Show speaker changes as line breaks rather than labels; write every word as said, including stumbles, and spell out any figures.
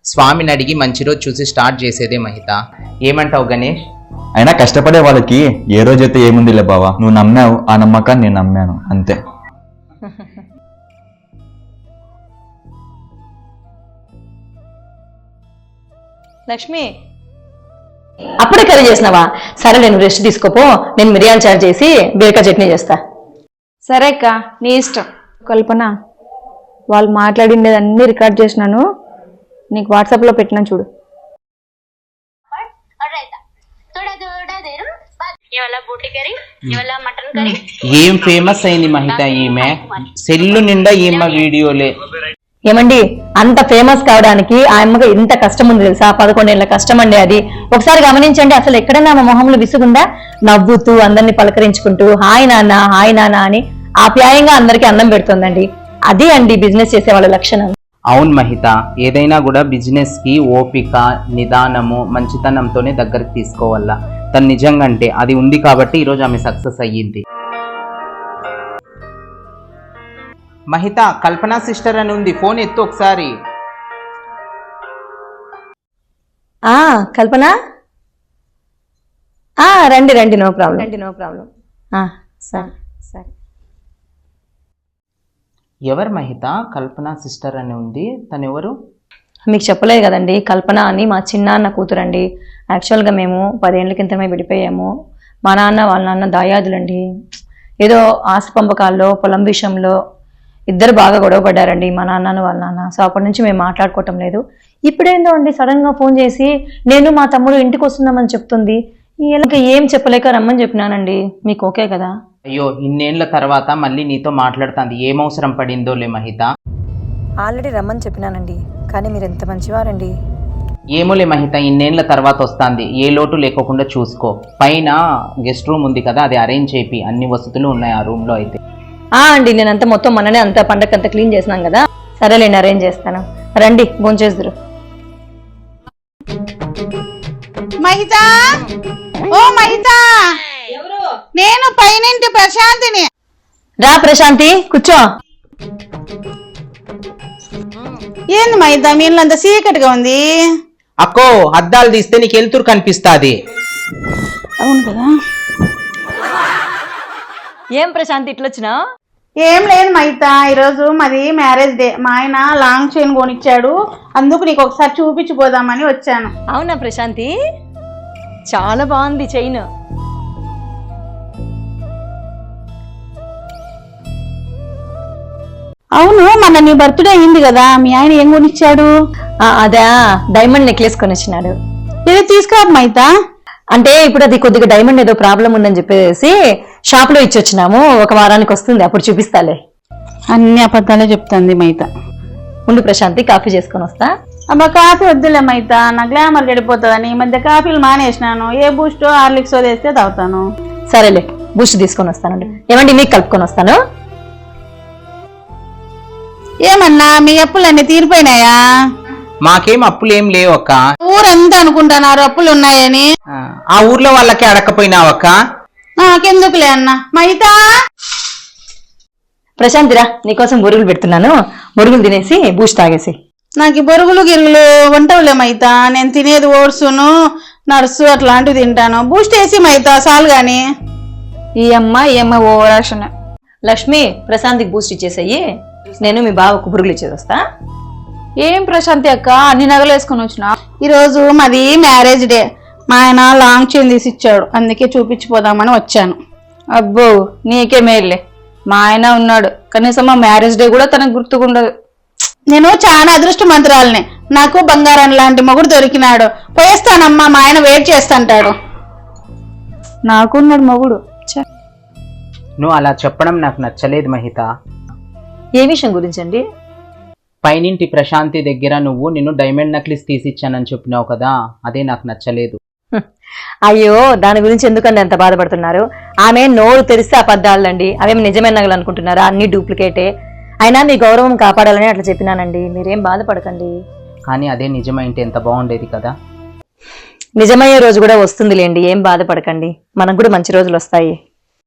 స్వామిని అడిగి మంచి రోజు చూసి స్టార్ట్ చేసేదే మహిత. ఏమంటావు గణేష్?
అయినా కష్టపడే వాళ్ళకి ఏ రోజైతే ఏముందిలే బావా, నువ్వు నమ్మావు, ఆ నమ్మకాన్ని నేను నమ్మాను అంతే.
లక్ష్మి అప్పుడే కర్రీ చేసినావా? సరే నేను రెస్ట్ తీసుకోపో, నేను మిరియాలు చారు చేసి బీరకాయ చట్నీ చేస్తా.
సరే అక్క, నీ ఇష్టం. కల్పన, వాళ్ళు మాట్లాడిండేది అన్ని రికార్డ్ చేసినాను, నీకు వాట్సాప్లో పెట్టినా చూడు.
ఏం ఫేమస్ అయింది మహిత ఈమె, సెల్లు నిండా ఈమె వీడియోలే.
ఏమండి, అంత ఫేమస్ కావడానికి ఆ అమ్మకి ఇంత కష్టం ఉంది తెలుసా? పదకొండేళ్ల కష్టం అండి అది. ఒకసారి గమనించండి, అసలు ఎక్కడైనా ఆమె మొహంలో విసుగుందా? నవ్వుతూ అందరినీ పలకరించుకుంటూ హాయ్ నాన్న హాయ్ నాన్న అని ఆప్యాయంగా అందరికీ అన్నం పెడుతుందండి. అదే అండి బిజినెస్ చేసే వాళ్ళ లక్షణం.
అవును మహిత, ఏదైనా కూడా బిజినెస్ కి ఓపిక, నిదానము, మంచితనంతోనే దగ్గరికి తీసుకోవాలా. తను నిజంగా అంటే అది ఉంది కాబట్టి ఈరోజు ఆమె సక్సెస్ అయ్యింది. మహిత, కల్పన సిస్టర్ అని ఉంది, ఫోన్ ఎత్తు ఒకసారి.
ఆ కల్పన, ఆ రండి రండి, నో ప్రాబ్లం రండి నో ప్రాబ్లం సరే సరే.
ఎవరు మహిత? కల్పన సిస్టర్ అని ఉంది, తను ఎవరు?
మీకు చెప్పలేదు కదండి, కల్పన అని మా చిన్నాన్న కూతురండి. యాక్చువల్గా మేము పదేళ్ల క్రితమే విడిపోయాము. మా నాన్న వాళ్ళ నాన్న దాయాదులండి. ఏదో ఆశ పంపకాల్లో పొలం విషయంలో ఇద్దరు బాగా గొడవ పడ్డారండి, మా నాన్నను వాళ్ళ నాన్న. సో అప్పటి నుంచి మేము మాట్లాడుకోవటం లేదు. ఇప్పుడేందో అండి సడన్గా ఫోన్ చేసి నేను మా తమ్ముడు ఇంటికి వస్తున్నామని చెప్తుంది. ఇంకా ఏం చెప్పలేక రమ్మని చెప్పినానండి. మీకు ఓకే కదా?
అయ్యో, ఇన్నేళ్ల తర్వాత మళ్ళీ నీతో మాట్లాడుతుంది, ఏం అవసరం పడిందోలే మహిత.
ఆల్రెడీ రమ్మని చెప్పినానండి, కానీ మీరు ఎంత మంచివారండి.
ఏమోలే మహిత, ఇన్నేళ్ల తర్వాత వస్తుంది, ఏ లోటు లేకోకుండా చూసుకో. పైన గెస్ట్ రూమ్ ఉంది కదా, అది అరేంజ్ చేపి, అన్ని వసతులు ఉన్నాయి ఆ రూమ్ లో. అయితే
ఆ అండి, నేనంతా మొత్తం మననే అంతా పండగంతా క్లీన్ చేసినాం కదా. సరేలేండి, అరేంజ్ చేస్తాను. రండి భోంచేద్దురు.
మహిత, ఓ మహిత, నేను పైనింటి ప్రశాంతిని.
రా ప్రశాంతి, కూర్చో.
ఏంది మహిత, మీ ఇల్లు అంత చీకటిగా ఉంది?
అక్కో, అద్దాలు తీస్తే నీకు వెలుతురు కనిపిస్తాది.
అవును కదా.
ఏం ప్రశాంతి ఇట్లొచ్చినా?
ఏం లేదు మహిత, ఈరోజు మాది మ్యారేజ్ డే. మా ఆయన లాంగ్ చైన్ కొనిచ్చాడు, అందుకు నీకు ఒకసారి చూపించిపోదామని వచ్చాను.
అవునా ప్రశాంతి, చాలా బాగుంది చైన్.
అవును, మన నీ బర్త్డే అయింది కదా, మీ ఆయన ఏం కొనిచ్చాడు?
అదా, డైమండ్ నెక్లెస్ కొనిచ్చినాడు.
ఏదో తీసుకురా మహిత.
అంటే ఇప్పుడు అది కొద్దిగా డైమండ్ ఏదో ప్రాబ్లం ఉందని చెప్పేసి షాప్ లో ఇచ్చి వచ్చినాము. ఒక వారానికి వస్తుంది, అప్పుడు చూపిస్తాలే.
అన్ని అబద్ధాలే చెప్తుంది మహిత.
ఉండు ప్రశాంతి, కాఫీ చేసుకొని వస్తా.
అబ్బా కాఫీ వద్దులే మహిత, నా గ్లామర్ గడిపోతుందని ఈ మధ్య కాఫీలు మానేసినాను. ఏ బూస్టో హార్లిక్సో తెస్తే తాగుతాను.
సరేలే, బూస్ట్ తీసుకొని వస్తానండి. ఏమండి, మీకు కలుపుకొని వస్తాను.
ఏమన్నా మీ అప్పులన్నీ తీరిపోయినాయా?
మాకేం అప్పులు ఏం లేవు అక్క.
ఊరంతా అనుకుంటున్నారు అప్పులు ఉన్నాయని.
ఆ ఊర్లో వాళ్ళకి అడకపోయినావక్క?
నాకెందుకులే అన్న. మహిత,
ప్రశాంతిరా, నీకోసం బొరుగులు పెడుతున్నాను, బొరుగులు తినేసి బూస్ట్ తాగేసి.
నాకు ఈ బొరుగులు గిరుగులు వంటవులే మహిత, నేను తినేది ఓట్సును నర్సు అట్లాంటివి తింటాను. బూస్ట్ వేసి మహిత చాలు గాని.
ఈ అమ్మ ఈ అమ్మ ఓవరాక్షన్.
లక్ష్మి, ప్రశాంతికి బూస్ట్ ఇచ్చేసాయి, నేను మీ బావకు బురుగులు ఇచ్చేది వస్తా.
ఏం ప్రశాంతి అక్క, అన్ని నగలు వేసుకొని వచ్చినా?
ఈరోజు మాది మ్యారేజ్ డే, మా ఆయన లాంగ్ చైన్ తీసి ఇచ్చాడు, అందుకే చూపించిపోదామని వచ్చాను.
అబ్బో, నీకే మేల్లే, మా ఆయన ఉన్నాడు, కనీసం మా మ్యారేజ్ డే కూడా తనకు గుర్తుకుండదు.
నేను చాలా అదృష్టమంతురాలని, నాకు బంగారం లాంటి మొగుడు దొరికినాడు. పోయేస్తానమ్మా, మా ఆయన వెయిట్ చేస్తాంటాడు.
నాకున్నాడు మొగుడు.
నువ్వు అలా చెప్పడం నాకు నచ్చలేదు మహిత.
ఏ విషయం గురించి అండి?
పైనింటి ప్రశాంతి దగ్గర నువ్వు నిన్ను డైమండ్ నెక్లెస్ తీసిచ్చానని చెప్పినావు కదా, అదే నాకు నచ్చలేదు.
అయ్యో, దాని గురించి ఎందుకండి అంత బాధపడుతున్నారు? ఆమె నోరు తెరిస్తే అబద్ధాలండి, అవేమి నిజమైన నగలు అనుకుంటున్నారా? అన్ని డూప్లికేటే. అయినా మీ గౌరవం కాపాడాలని అట్లా చెప్పినానండి, మీరేం బాధపడకండి.
కానీ అదే నిజమైంటే ఎంత బాగుండేది కదా.
నిజమయ్యే రోజు కూడా వస్తుందిలేండి, ఏం బాధపడకండి, మనకు కూడా మంచి రోజులు వస్తాయి.